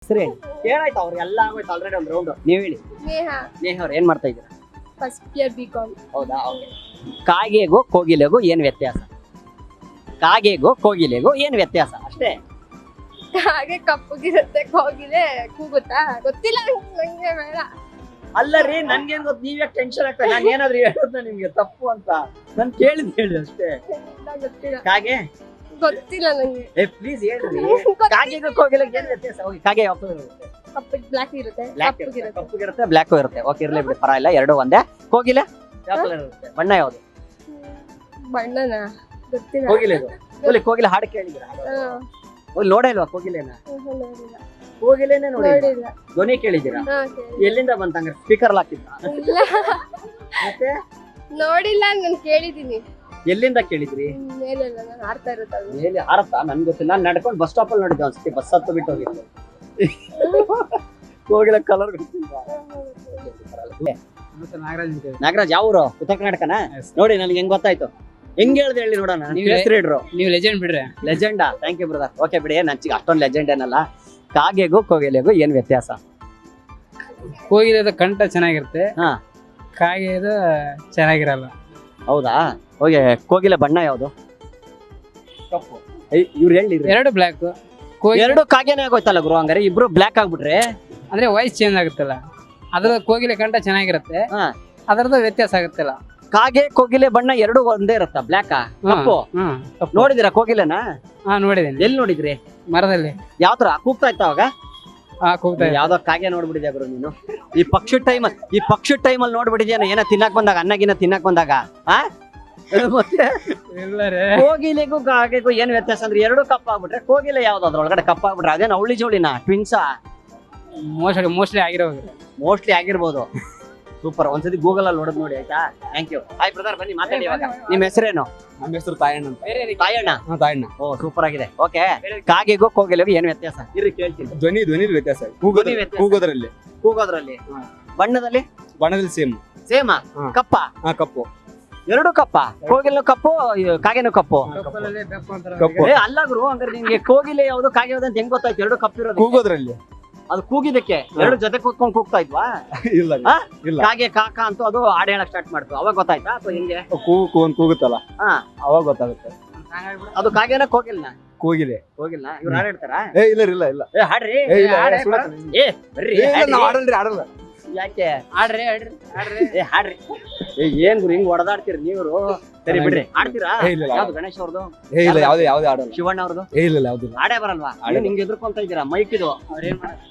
ಹೆಸರು ಹೇಳಿ. ಕೇಳಾಯ್ತು ಅವ್ರಿಗೆಲ್ಲ ಆಗೋಯ್ತು ಆಲ್ರೆಡಿ ಒಂದು ರೌಂಡ್. ನೀವ್ ಹೇಳಿ. ನೇಹ ಅವ್ರು ಏನ್ ಮಾಡ್ತಾ ಇದ್ದೀರಾ? First year BCom. ಹೌದಾ? ಕಾಗೆಗೂ ಕೋಗಿಲೆಗೂ ಏನ್ ವ್ಯತ್ಯಾಸ? ಕಾಗೆಗೂ ಕೋಗಿಲೆಗೂ ಏನ್ ವ್ಯತ್ಯಾಸ ಅಷ್ಟೇ. ಹಾಗೆ ಕಪ್ಪಗಿರುತ್ತೆ, ಕೋಗಿಲೆ ಕೂಗುತ್ತಾ ಗೊತ್ತಿಲ್ಲ ನಂಗೆ, ಬೇಡ. ಅಲ್ಲ ರೀ, ನನ್ಗೇನ್ ಗೊತ್ತು, ನೀವ್ ಯಾಕೆ ಟೆನ್ಷನ್ ಆಗ್ತಾ? ನಾನು ಏನಾದ್ರು ಹೇಳೋದ್ನ ನಿಮ್ಗೆ ತಪ್ಪು ಅಂತ ನಾನು ಕೇಳಿದ್ ಹೇಳಿ ಅಷ್ಟೇ. ಗೊತ್ತಿಲ್ಲ, ಕಾಗೆ ಗೊತ್ತಿಲ್ಲ ನಂಗೆ. ಪ್ಲೀಸ್ ಹೇಳ್ರಿ. ಕಾಗೆಗೂ ಕೋಗಿಲೆಗೂ ಏನ್ ವ್ಯತ್ಯಾಸ? ಹೋಗಿ. ಕಾಗೆ ಕಪ್ಪು ಬ್ಲಾಕ್ ಇರುತ್ತೆ, ಕಪ್ಪಗಿರುತ್ತೆ, ಬ್ಲಾಕ್ ಇರುತ್ತೆ. ಓಕೆ, ಇರ್ಲಿ ಬಿಡಿ, ಪರವಾಗಿಲ್ಲ, ಎರಡು ಒಂದೇ. ಕೋಗಿಲೆ ಯಾವ ಕಲರ್ ಇರುತ್ತೆ? ಬಣ್ಣ ಯಾವ್ದು? ಬಣ್ಣನ ಗೊತ್ತಿಲ್ಲ. ಕೋಗಿಲೆ ಹಾಡು ಕೇಳಿದ್ರ? ನೋಡೇ ಇಲ್ವಾ ಕೋಗಿಲೆನ? ನೋಡಿಲ್ಲ. ಕೋಗಿಲೆನೆ ನೋಡಿಲ್ಲ. ಧ್ವನಿ ಕೇಳಿದ್ದೀರಾ? ಎಲ್ಲಿಂದ ಬಂತಂಗ? ಸ್ಪೀಕರ್ ಹಾಕಿದ್ದ? ಮತ್ತೆ ನೋಡಿಲ್ಲ, ನಾನು ಕೇಳಿದೀನಿ. ಎಲ್ಲಿಂದ ಕೇಳಿದ್ರಿ? ಮೇಲೆ ನಾನು ಆಡ್ತಾ ಇರುತ್ತಲ್ಲ. ಮೇಲೆ ಹಾರತ್ತಾ? ನನ್ಗೆ ಗೊತ್ತಿಲ್ಲ. ನಾನು ನಡ್ಕೊಂಡು ಬಸ್ ಸ್ಟಾಪ್ ಅಲ್ಲಿ ನೋಡಿದ್ದೆ ಒಂದ್ಸತಿ, ಬಸ್ ಹತ್ತು ಬಿಟ್ಟು ಹೋಗಿದ್ದೆ. ಕೋಗಿಲೆ ಕಲರ್ ಗೊತ್ತಿಲ್ಲ. ನಾಗರಾಜ್ ಯಾವ ಊರು? ಉತ್ತರ ಕರ್ನಾಟಕನ? ನೋಡಿ ನನ್ಗೆ ಹೆಂಗ್ ಗೊತ್ತಾಯ್ತು. ಹೆಂಗ್ ಹೇಳ್ದೆ ಹೇಳಿ ನೋಡೋಣ. ನೀವು ಲೆಜೆಂಡ್ ಬಿಡ್ರೆ. ಲೆಜೆಂಡಾ? Thank you brother. ಓಕೆ ಬಿಡಿ, ನನ್ಗೆ ಅಷ್ಟೊಂದು ಲೆಜೆಂಡ್ ಏನಲ್ಲ. ಕಾಗೆಗೂ ಕೋಗಿಲೆಗೂ ಏನ್ ವ್ಯತ್ಯಾಸ? ಕೋಗಿಲೆದ ಕಂಠ ಚೆನ್ನಾಗಿರುತ್ತೆ, ಹಾ. ಕಾಗೆದ ಚೆನ್ನಾಗಿರಲ್ಲ. ಹೌದಾ? ಹೋಗಿ. ಕೋಗಿಲೆ ಬಣ್ಣ ಯಾವ್ದು? ಕಪ್ಪು. ಇವ್ರು ಹೇಳಿ. ಎರಡು ಬ್ಲ್ಯಾಕ್. ಎರಡು ಕಾಗೆನೇ ಆಗೋಯ್ತಲ್ಲ ಗುರು, ಹಂಗಾರೆ ಇಬ್ರು ಬ್ಲ್ಯಾಕ್ ಆಗ್ಬಿಟ್ರೆ ಅಂದ್ರೆ ವಾಯ್ಸ್ ಚೇಂಜ್ ಆಗುತ್ತಲ್ಲ, ಅದ್ರ ಕೋಗಿಲೆ ಕಂಠ ಚೆನ್ನಾಗಿರುತ್ತೆ, ಹಾ. ಅದರದ ವ್ಯತ್ಯಾಸ ಆಗುತ್ತಲ್ಲ. ಕಾಗೆ ಕೋಗಿಲೆ ಬಣ್ಣ ಎರಡು ಒಂದೇ ಇರುತ್ತಾ? ಬ್ಲ್ಯಾಕ್ ಕಪ್ಪು? ನೋಡಿದಿರಾ ಕೋಗಿಲೆನ? ಹಾ, ನೋಡಿದ್ದೀನಿ. ಎಲ್ಲಿ ನೋಡಿದ್ರಿ? ಮರದಲ್ಲಿ. ಯಾವ ತರ ಕೂಗ್ತಾ ಇತ್ತ ಅವಾಗ? ಕೂಗ್ತಾ ಇತ್ತು. ಯಾವ್ದೋ ಕಾಗೆ ನೋಡ್ಬಿಟ್ಟಿದ್ಯಾ ಗುರು ನೀನು. ಈ ಪಕ್ಷಿ ಟೈಮಲ್ಲಿ ನೋಡ್ಬಿಟ್ಟಿದ್ಯಾನ? ಏನ ತಿನ್ನಕ್ ಬಂದಾಗ, ಅನ್ನಗಿನ ತಿನ್ನಕ್ ಬಂದಾಗ? ಮತ್ತೆ ಕೋಗಿಲೆಗೂ ಕಾಗೆಗೂ ಏನ್ ವ್ಯತ್ಯಾಸ ಅಂದ್ರೆ ಎರಡು ಕಪ್ಪಾಗ್ಬಿಟ್ರೆ ಕೋಗಿಲೆ ಯಾವ್ದು ಅದ್ರೊಳಗಡೆ ಕಪ್ಪಾಗ್ಬಿಟ್ರೆ ಅದೇನ ಅವಳಿ ಜೋಳಿನ ಟ್ವಿನ್ಸಾ? ಮೋಸ್ಟ್ಲಿ ಆಗಿರೋದು. ಮೋಸ್ಟ್ಲಿ ಆಗಿರ್ಬೋದು. ಸೂಪರ್. ಒಂದ್ಸತಿ ಗೂಗಲ್ ಅಲ್ಲಿ ನೋಡೋದು ನೋಡಿ, ಆಯ್ತಾ? Thank you. ಹಾಯ್ ಬ್ರದರ್, ಬನ್ನಿ ಮಾತಾಡಿ. ಇವಾಗ ನಿಮ್ ಹೆಸರೇನು? ನಮ್ಮ ಹೆಸರು ತಾಯಣ್ಣ ಅಂತ. ತಾಯಣ್ಣ? ತಾಯಣ್ಣ. ಓ, ಸೂಪರ್ ಆಗಿದೆ. ಓಕೆ, ಕಾಗೆಗೂ ಕೋಗಿಲೆಗೂ ಏನ್ ವ್ಯತ್ಯಾಸ? ಇರ್ರಿ ಕೇಳ್ತೀನಿ. ಧ್ವನಿ ವ್ಯತ್ಯಾಸ. ಕೂಗೋದ್ರಲ್ಲಿ. ಬಣ್ಣದಲ್ಲಿ ಸೇಮ್. ಸೇಮಾ? ಹಾ. ಕಪ್ಪ? ಕಪ್ಪು. ಎರಡು ಕಪ್ಪ? ಕೋಗಿಲೆನೂ ಕಪ್ಪು, ಕಾಗೆನೂ ಕಪ್ಪು? ಕಪ್ಪು. ಅಲ್ಲ ಗುರು, ಹಂಗಾರೆ ನಿಮ್ಗೆ ಕೋಗಿಲೆ ಯಾವ್ದು ಕಾಗೆ ಯಾವ್ದು ಅಂತ ಹೆಂಗ್ ಗೊತ್ತಾಯ್ತು? ಎರಡು ಕಪ್ ಇರೋದು. ಕೂಗೋದ್ರಲ್ಲಿ. ಅದು ಕೂಗಿದಕ್ಕೆ ಎರಡು ಜೊತೆ ಕೂತ್ಕೊಂಡು ಕೂಗ್ತಾ ಇದ್ವಾ? ಇಲ್ಲ. ಕಾಗೆ ಕಾಕ ಅಂತೂ ಅದು ಹಾಡು ಹೇಳಕ್ ಸ್ಟಾರ್ಟ್ ಮಾಡ್ತು, ಅವಾಗ ಗೊತ್ತಾಯ್ತಾ ಅಥವಾ ಹೆಂಗೆ? ಕೂಗುತ್ತಲ್ಲ, ಅವಾಗ ಗೊತ್ತಾಗುತ್ತೆ. ಅದು ಕಾಗೆನ ಕೋಗಿಲ್ನ? ಕೋಗಿಲೆ. ಇವ್ರು ಹಾಡು ಹೇಳ್ತಾರಾ? ಇಲ್ಲ. ಹಾಡ್ರಿ. ಬರ್ರಿ. ಆಡಲ್ಲ. ಯಾಕೆ? ಹಾಡ್ರಿ. ಹಾಡ್ರಿ. ಏನ್ ಗುರು ಹಿಂಗ್ ಹೊಡೆದಾಡ್ತೀರಿ ನೀವು? ಸರಿ ಬಿಡ್ರಿ, ಆಡ್ತೀರಾ? ಯಾವ್ದು? ಗಣೇಶ್ ಅವ್ರದ್ದು? ಯಾವ್ದು ಆಡಲ್ಲ. ಶಿವಣ್ಣ ಅವ್ರದ್ದು? ಇಲ್ಲ, ಯಾವ್ದು ಆಡೇ ಬರಲ್ವಾ? ನಿಂಗೆ ಎದುರ್ಕೊಂತ ಇದ್ದೀರಾ ಮೈಕ್ ಇದು? ಅವ್ರೇನ್